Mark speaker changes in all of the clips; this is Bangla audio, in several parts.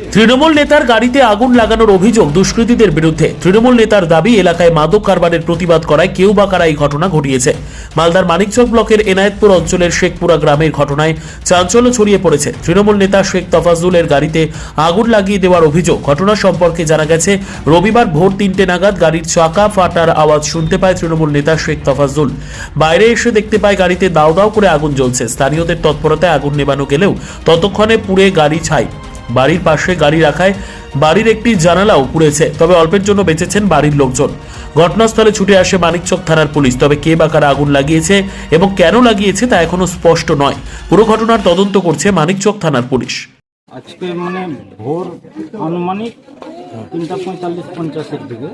Speaker 1: তৃণমূল নেতার গাড়িতে আগুন লাগানোর অভিযোগ দুষ্কৃতীদের বিরুদ্ধে। তৃণমূল নেতার দাবি, এলাকায় মাদক কারবারের প্রতিবাদ করায় কেউ বা কারা এই ঘটনা ঘটিয়েছে। মালদার মানিকচক ব্লকের এনায়েতপুর অঞ্চলের শেখপুরা গ্রামের ঘটনায় চাঞ্চল্য ছড়িয়ে পড়েছে। তৃণমূল নেতা শেখ তফাজ্জুলের গাড়িতে আগুন লাগিয়ে দেওয়ার অভিযোগ। ঘটনা সম্পর্কে জানা গেছে, রবিবার ভোর 3টে নাগাদ গাড়ির চাকা ফাটার আওয়াজ শুনতে পায় তৃণমূল নেতা শেখ তফাজ্জুল। বাইরে এসে দেখতে পায় গাড়িতে দাউ দাউ করে আগুন জ্বলছে। স্থানীয়দের তৎপরতায় আগুন নেভানো গেলেও ততক্ষণে পুড়ে গাড়ি ছাই। বাড়ির পাশে গাড়ি রাখায় বাড়ির একটি জানালাও পুড়েছে, তবে অল্পের জন্য বেঁচেছেন বাড়ির লোকজন। ঘটনাস্থলে ছুটে আসে মানিকচক থানার পুলিশ, তবে কে বা কারা আগুন লাগিয়েছে এবং কেন লাগিয়েছে তা এখনো স্পষ্ট নয়। পুরো ঘটনার তদন্ত করছে মানিকচক থানার পুলিশ।
Speaker 2: আজকে মানে ভোর আনুমানিক 3:45-50 দিকে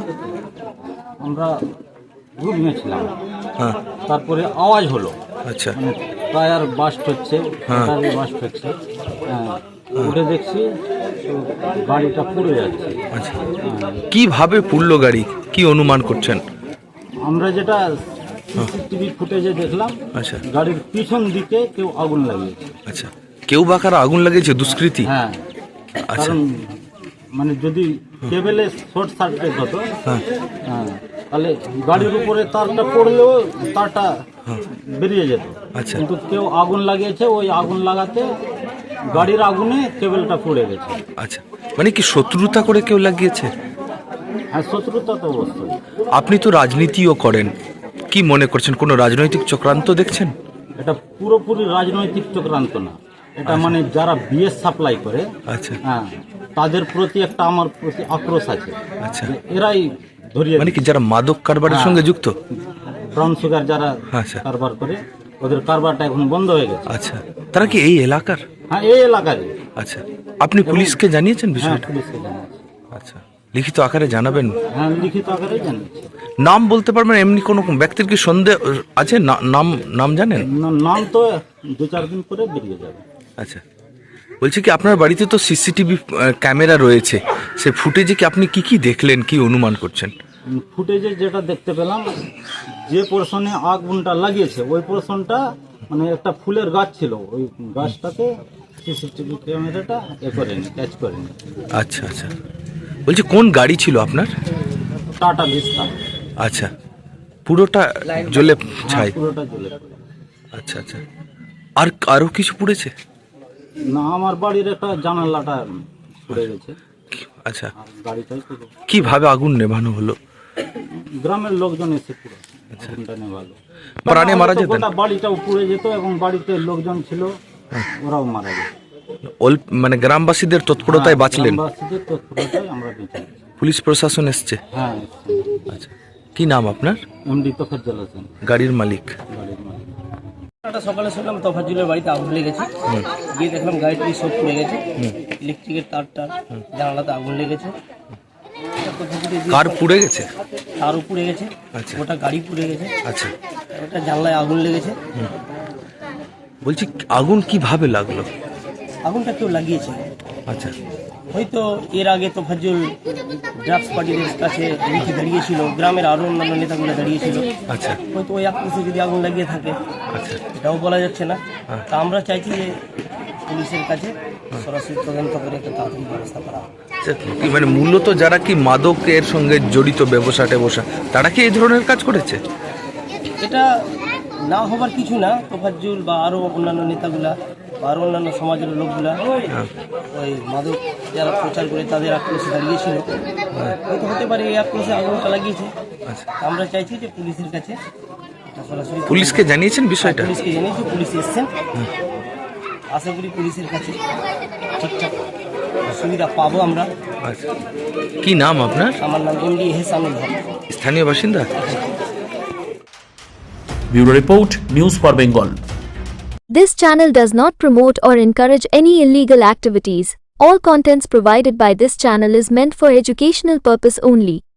Speaker 2: আমরা ঘুমিয়েছিলাম। তারপরে আওয়াজ হলো,
Speaker 3: আচ্ছা,
Speaker 2: মানে টায়ার বাস্ট হচ্ছে, ব্যাটারি বাস্ট হচ্ছে। উঠে দেখছি তো গাড়িটা পুড়ে যাচ্ছে।
Speaker 3: আচ্ছা, কিভাবে পুড়লো গাড়ি, কি অনুমান করছেন?
Speaker 2: আমরা যেটা সিসিটিভি ফুটেজে দেখলাম,
Speaker 3: আচ্ছা
Speaker 2: গাড়ির পিছন দিকে কেউ আগুন লাগিয়েছে।
Speaker 3: আচ্ছা, কেউ বা কারা আগুন লাগিয়েছে, দুষ্কৃতী?
Speaker 2: হ্যাঁ,
Speaker 3: আচ্ছা,
Speaker 2: কারণ মানে যদি কেবেলে শর্ট সার্কিট হতো, হ্যাঁ, তাহলে গাড়ির উপরে তারটা পড়লেও তারটা বেরিয়ে যেত।
Speaker 3: আচ্ছা,
Speaker 2: কিন্তু কেউ আগুন লাগিয়েছে, ওই আগুন লাগাতে গাড়ির আগুনে কেবেলটা পুড়ে গেছে।
Speaker 3: আচ্ছা, মানে কি শত্রুতা করে কেউ লাগিয়েছে?
Speaker 2: হ্যাঁ, শত্রুতা তো অবশ্যই।
Speaker 3: আপনি তো রাজনীতিও করেন, কি মনে করছেন, কোনো রাজনৈতিক চক্রান্ত দেখছেন?
Speaker 2: এটা পুরোপুরি রাজনৈতিক চক্রান্ত না, এটা মানে যারা বিএস সাপ্লাই করে,
Speaker 3: আচ্ছা,
Speaker 2: হ্যাঁ, তাদের প্রতি একটা আমার প্রতি আক্রোশ আছে।
Speaker 3: আচ্ছা,
Speaker 2: যে এরাই ধরিয়ে,
Speaker 3: মানে কি যারা মাদক কারবারের সঙ্গে যুক্ত?
Speaker 2: ব্রাউন সুগার যারা
Speaker 3: আচ্ছা,
Speaker 2: কারবার করে, ওদের কারবারটা এখন বন্ধ হয়ে গেছে।
Speaker 3: আচ্ছা, তারা কি এই এলাকার?
Speaker 2: হ্যাঁ, এই এলাকারই।
Speaker 3: আচ্ছা, আপনি পুলিশকে জানিয়েছেন
Speaker 2: হ্যাঁ,
Speaker 3: বিষয়টা?
Speaker 2: পুলিশকে জানাচ্ছি।
Speaker 3: আচ্ছা, লিখিত আকারে জানাবেন?
Speaker 2: হ্যাঁ, লিখিত আকারে জানাচ্ছি।
Speaker 3: নাম বলতে পারবেন? এমনি কোনো ব্যক্তির কি সন্দেহ আছে? নাম নাম জানেন?
Speaker 2: নাম তো 2-4 দিন পরে বেরিয়ে যাবে।
Speaker 3: আচ্ছা, বলছি কি আপনার বাড়িতে তো সিসিটিভি ক্যামেরা রয়েছে, সে ফুটেজে কি আপনি কি দেখলেন, কি অনুমান করছেন?
Speaker 2: ফুটেজে যেটা দেখতে পেলাম, যে পোর্শনে আগুনটা লাগিয়েছে ওই পোর্শনটা মানে একটা ফুলের গাছ ছিল, ওই গাছটাকে সিসিটিভি ক্যামেরাটা করেনি, ক্যাচ করেনি।
Speaker 3: আচ্ছা আচ্ছা, বলছি কোন গাড়ি ছিল আপনার?
Speaker 2: টাটা ভিস্তা।
Speaker 3: আচ্ছা, পুরোটা জ্বলে ছাই?
Speaker 2: পুরোটা জ্বলে পড়ে।
Speaker 3: আচ্ছা আচ্ছা, আর আরও কিছু পুড়েছে?
Speaker 2: না, আমার বাড়ির একটা জানালাটা পুড়ে গেছে।
Speaker 3: আচ্ছা,
Speaker 2: আর গাড়িটাই পুরো।
Speaker 3: কিভাবে আগুন নেভানো হলো?
Speaker 2: গ্রামের লোকজন এসে পুরো আগুনটা নেভালো।
Speaker 3: প্রাণে মারা যেতেন?
Speaker 2: গোটা বাড়িটাও পুড়ে যেত এবং বাড়িতে লোকজন ছিল, ওরাও মারা যেত।
Speaker 3: মানে গ্রামবাসীদের তৎপরতায় বাঁচলেন?
Speaker 2: গ্রামবাসীদের তৎপরতায় আমরা বেঁচে গেছি।
Speaker 3: পুলিশ প্রশাসন এসছে?
Speaker 2: হ্যাঁ,
Speaker 3: আচ্ছা, কি নাম আপনার?
Speaker 2: এমডি তোফাজ্জল হোসেন,
Speaker 3: গাড়ির মালিক।
Speaker 2: গাড়ির মালিক।
Speaker 4: সকালে শুনলাম তফাজ্জুলের বাড়িতে আগুন লেগেছে, গিয়ে দেখলাম গাড়িটি সব পুড়ে গেছে, ইলেকট্রিকের তারটা জানালাতে আগুন লেগেছে।
Speaker 3: কার পুড়ে গেছে?
Speaker 4: তারও পুড়ে গেছে,
Speaker 3: আচ্ছা,
Speaker 4: ওটা গাড়ি পুড়ে গেছে,
Speaker 3: আচ্ছা,
Speaker 4: ওটা জানলায় আগুন লেগেছে।
Speaker 3: বলছি আগুন কিভাবে লাগলো?
Speaker 4: আগুনটা কেউ লাগিয়েছে,
Speaker 3: আচ্ছা,
Speaker 4: হয়তো এর আগে তফাজ্জুল ড্রাগস পার্টিদের কাছে লিখে দাঁড়িয়েছিল, গ্রামের আরও অন্যান্য নেতাগুলো দাঁড়িয়েছিল,
Speaker 3: আচ্ছা,
Speaker 4: হয়তো ওই আক্রোশে যদি আগুন লাগিয়ে থাকে,
Speaker 3: আচ্ছা,
Speaker 4: এটাও বলা যাচ্ছে না। তা আমরা চাইছি যে পুলিশের কাছে সরাসরি তদন্ত করে একটা তাড়াতাড়ি ব্যবস্থা করা হয়।
Speaker 3: কি মানে মূলত যারা কি মাদকের সঙ্গে জড়িত, ব্যবসা তারা কি এই ধরনের কাজ করেছে?
Speaker 4: এটা না হবার কিছু না, তোফাজ্জুল বা আরও অন্যান্য নেতাগুলা বা আরও অন্যান্য সমাজের লোকগুলা ওই মাদক যারা প্রচার করে তাদের আক্রোশে দাঁড়িয়েছিল, হয়তো হতে পারে এই আক্রোশে আগুনটা লাগিয়েছে। আমরা চাইছি যে পুলিশের কাছে সরাসরি।
Speaker 3: পুলিশকে জানিয়েছেন বিষয়টা?
Speaker 4: পুলিশকে জানিয়েছি, পুলিশ এসছেন, আশা করি পুলিশের কাছে ঠিকঠাক সুবিধা পাবো আমরা।
Speaker 3: আচ্ছা, কি নাম আপনার?
Speaker 4: আমার নাম এমডি এহসানুল হক,
Speaker 3: স্থানীয় বাসিন্দা।
Speaker 1: Bureau report, news for Bengal.
Speaker 5: This channel does not promote or encourage any illegal activities. All contents provided by this channel is meant for educational purpose only.